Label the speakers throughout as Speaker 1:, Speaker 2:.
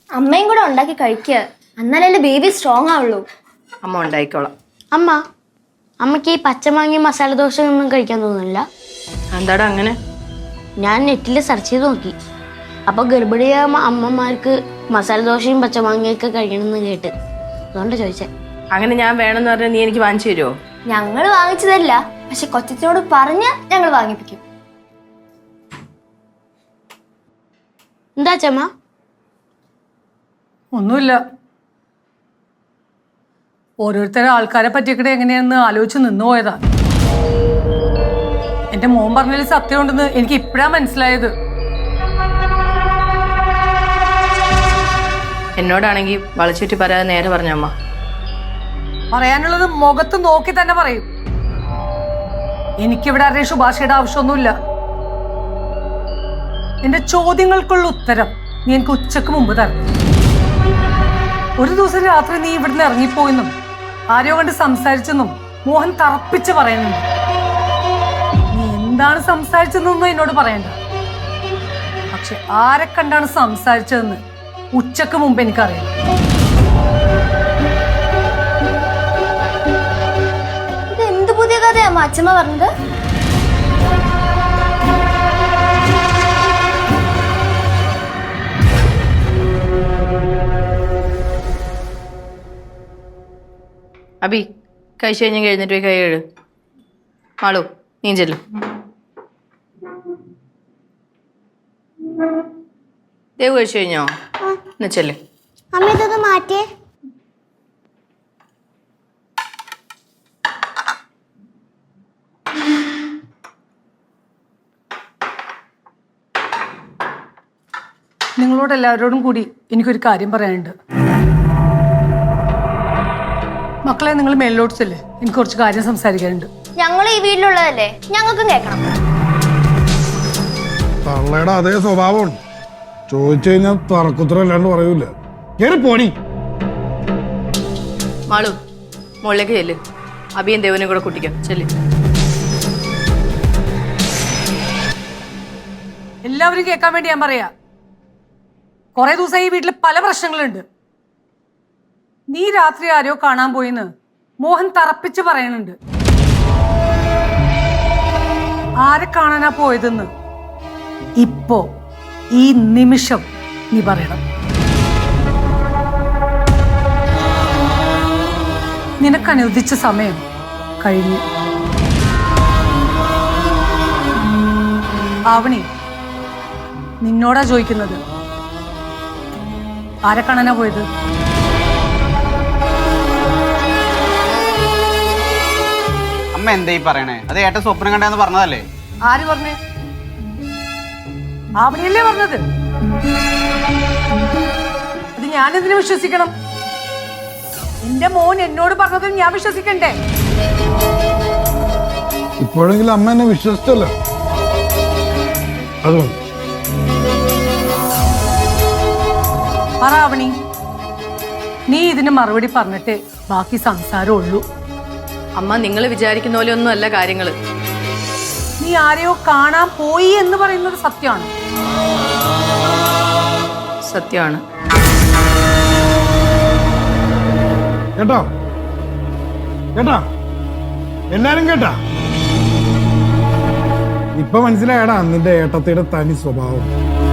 Speaker 1: അമ്മയും കൂടെ ഉണ്ടാക്കി കഴിക്കുക, എന്നാലല്ലേ ബേബി സ്ട്രോങ് ആവുള്ളൂ.
Speaker 2: അമ്മ ഉണ്ടായിക്കോളാം.
Speaker 3: അമ്മ, അമ്മയ്ക്ക് ഈ പച്ചമാങ്ങി മസാല ദോശ ഒന്നും കഴിക്കാൻ തോന്നുന്നില്ല?
Speaker 2: എന്താടാ അങ്ങനെ?
Speaker 3: ഞാൻ നെറ്റിൽ സെർച്ച് ചെയ്ത് നോക്കി. അപ്പോൾ ഗർഭിണിയായ അമ്മമാർക്ക് മസാല ദോശയും പച്ചമാങ്ങയൊക്കെ കഴിക്കണമെന്ന് കേട്ട്, അതുകൊണ്ട് ചോദിച്ചേ.
Speaker 2: അങ്ങനെ ഞാൻ വേണമെന്ന് പറഞ്ഞാൽ നീ എനിക്ക് വാങ്ങിച്ചു തരുമോ?
Speaker 1: ഞങ്ങൾ വാങ്ങിച്ചതല്ല, പക്ഷെ കൊച്ചത്തിനോട് പറഞ്ഞ് ഞങ്ങൾ വാങ്ങിപ്പിക്കും.
Speaker 3: എന്താ ചമ്മ?
Speaker 4: ഒന്നുമില്ല. ഓരോരുത്തരെ ആൾക്കാരെ പറ്റിയൊക്കെ എങ്ങനെയാണെന്ന് ആലോചിച്ച് നിന്നു പോയതാ. എന്റെ മോൻ പറഞ്ഞതിൽ സത്യമുണ്ടെന്ന് എനിക്ക് ഇപ്പഴാ മനസ്സിലായത്.
Speaker 2: എന്നോടാണെങ്കിൽ വളച്ചുറ്റി പറയാതെ നേരെ പറഞ്ഞ അമ്മ.
Speaker 4: പറയാനുള്ളത് മുഖത്ത് നോക്കി തന്നെ പറയും. എനിക്കിവിടെ ആരുടെയും ശുപാർശയുടെ ആവശ്യമൊന്നുമില്ല. എന്റെ ചോദ്യങ്ങൾക്കുള്ള ഉത്തരം നീ എനിക്ക് ഉച്ചക്ക് മുമ്പ് തരണം. ഒരു ദിവസം രാത്രി നീ ഇവിടുന്ന് ഇറങ്ങിപ്പോയെന്നും ആരോ കണ്ട് സംസാരിച്ചെന്നും മോഹൻ തറപ്പിച്ച് പറയുന്നുണ്ട്. നീ എന്താണ് സംസാരിച്ചതെന്നൊന്നും എന്നോട് പറയണ്ട. പക്ഷെ ആരെ കണ്ടാണ് സംസാരിച്ചതെന്ന് ഉച്ചക്ക് മുമ്പ് എനിക്കറിയാം.
Speaker 1: ഇത് എന്ത് പുതിയ കഥയാ അച്ഛമ്മ പറഞ്ഞത്?
Speaker 2: അബി, കഴിച്ചു കഴിഞ്ഞാൽ എഴുന്നേറ്റ് പോയി കൈ കഴുകു. മാളു, നീ ചെല്ലു. ദേവ് കഴിച്ചു കഴിഞ്ഞോ? എന്നാ ചെല്ലു.
Speaker 3: അമ്മ ഇതൊന്ന് മാറ്റിയേ.
Speaker 4: നിങ്ങളോട് എല്ലാവരോടും കൂടി എനിക്കൊരു കാര്യം പറയാനുണ്ട്. മക്കളെ, നിങ്ങൾ മേലോട്ട് ചെല്ലേ, എനിക്ക് കുറച്ച് കാര്യം സംസാരിക്കാനുണ്ട്.
Speaker 1: ഞങ്ങൾ ഈ വീട്ടിലുള്ളതല്ലേ, ഞങ്ങൾക്കും കേൾക്കണം.
Speaker 5: തള്ളയുടെ അതേ സ്വഭാവമാണ്. ചോദിച്ചു കഴിഞ്ഞാൽ തറക്കുത്തരം അല്ലാണ്ട് പറയൂല. കേറി പോണി.
Speaker 2: മാളു, മുകളിലേക്ക് ചെല്ലു. അബിയും ദേവനും കൂടെ കുട്ടിക്കോ. ചെല്ലു.
Speaker 4: എല്ലാവരും കേൾക്കാൻ വേണ്ടി ഞാൻ പറയാ. കുറെ ദിവസമായി ഈ വീട്ടിൽ പല പ്രശ്നങ്ങളുണ്ട്. നീ രാത്രി ആരോ കാണാൻ പോയിന്ന് മോഹൻ തറപ്പിച്ച് പറയുന്നുണ്ട്. ആരെ കാണാനാ പോയതെന്ന് ഇപ്പോ ഈ നിമിഷം നീ പറയണം. നിനക്കനുവദിച്ച സമയം കഴിഞ്ഞു. ആവണി, നിന്നോടാ ചോദിക്കുന്നത്. ആരെ കാണാനാ പോയത്?
Speaker 6: അമ്മ എന്താ ഈ പറയണേ? അത് ഏട്ടൻ സ്വപ്നം കണ്ടെന്ന് പറഞ്ഞതല്ലേ?
Speaker 4: ആര് പറഞ്ഞേ? ആവണിയല്ലേ പറഞ്ഞത്. അത് ഞാനെന്തിനു വിശ്വസിക്കണം? എന്റെ മോൻ എന്നോട് പറഞ്ഞതും ഞാൻ വിശ്വസിക്കണ്ടേ?
Speaker 5: ഇപ്പോഴെങ്കിലും അമ്മ എന്നെ വിശ്വസിച്ചല്ലോ, അതുകൊണ്ട്.
Speaker 4: പറ ആവണി, നീ ഇതിന് മറുപടി പറഞ്ഞിട്ടേ ബാക്കി സംസാരം ഉള്ളൂ.
Speaker 2: അമ്മ, നിങ്ങൾ വിചാരിക്കുന്ന പോലെ ഒന്നും അല്ല കാര്യങ്ങള്.
Speaker 4: നീ ആരെയോ കാണാൻ പോയി എന്ന് പറയുന്നത് സത്യമാണ്.
Speaker 2: സത്യമാണ്.
Speaker 5: കേട്ടോ കേട്ടാ, എല്ലാരും കേട്ടാ? ഇപ്പൊ മനസ്സിലായടാ നിന്റെ ഏട്ടത്തിയുടെ തനി സ്വഭാവം.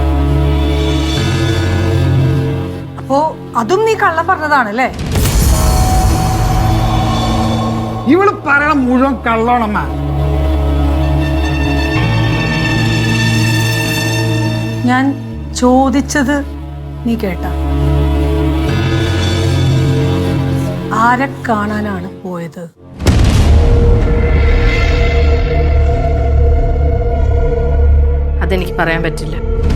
Speaker 4: അപ്പോ അതും നീ കള്ളം പറഞ്ഞതാണല്ലേ?
Speaker 5: ഇവള് പറയണ മുഴുവൻ കള്ളോണമ്മ.
Speaker 4: ഞാൻ ചോദിച്ചത് നീ കേട്ട? ആരെ കാണാനാണ് പോയത്?
Speaker 2: അതെനിക്ക് പറയാൻ പറ്റില്ല.